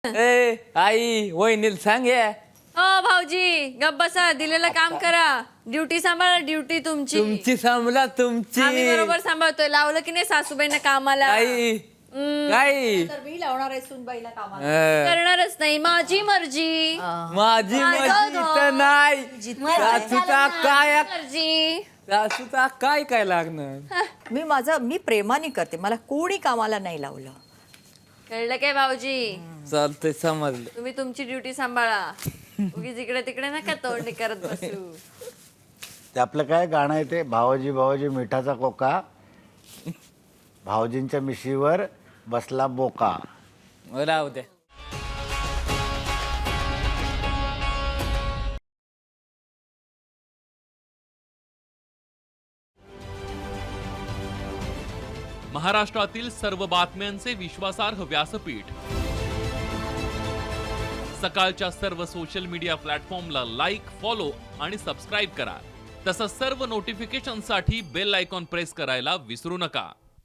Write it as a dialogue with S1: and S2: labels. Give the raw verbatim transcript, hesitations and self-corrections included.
S1: ए आई वहिनीला सांग ये.
S2: हो भाऊजी गप बसा, दिलेलं काम करा. ड्युटी सांभाळा, ड्युटी तुमची.
S1: तुमची सांभाळा तुमची.
S2: आम्ही बरोबर सांभाळतोय. लावलं की नाही सासूबाईंना कामाला?
S1: आई काय
S3: तर मी लावणार आहे सुनबाईला कामाला.
S2: करणारच नाही, माझी मर्जी.
S1: माझी मर्जी तर नाही. सासूचा काय
S2: मर्जी.
S1: सासूचा काय काय लागणार.
S3: मी माझं मी प्रेमाने करते, मला कोणी कामाला नाही लावलं.
S2: कळलं काय भाऊजी?
S1: चालतंय समजलं.
S2: तुम्ही तुमची ड्युटी सांभाळा. उगीच इकडे तिकडे नका तोंडी करत बसू.
S4: ते आपलं काय गाणं आहे ते, भावजी भावजी मिठाचा कोका, भावजींच्या मिशीवर बसला बोका.
S1: राहू द्या.
S5: महाराष्ट्रातील सर्व बातम्यांचे विश्वासार्ह व्यासपीठ, सकाळच्या सर्व सोशल मीडिया प्लॅटफॉर्मला लाईक, फॉलो आणि सबस्क्राईब करा. तसंच सर्व नोटिफिकेशनसाठी बेल आयकॉन प्रेस करायला विसरू नका.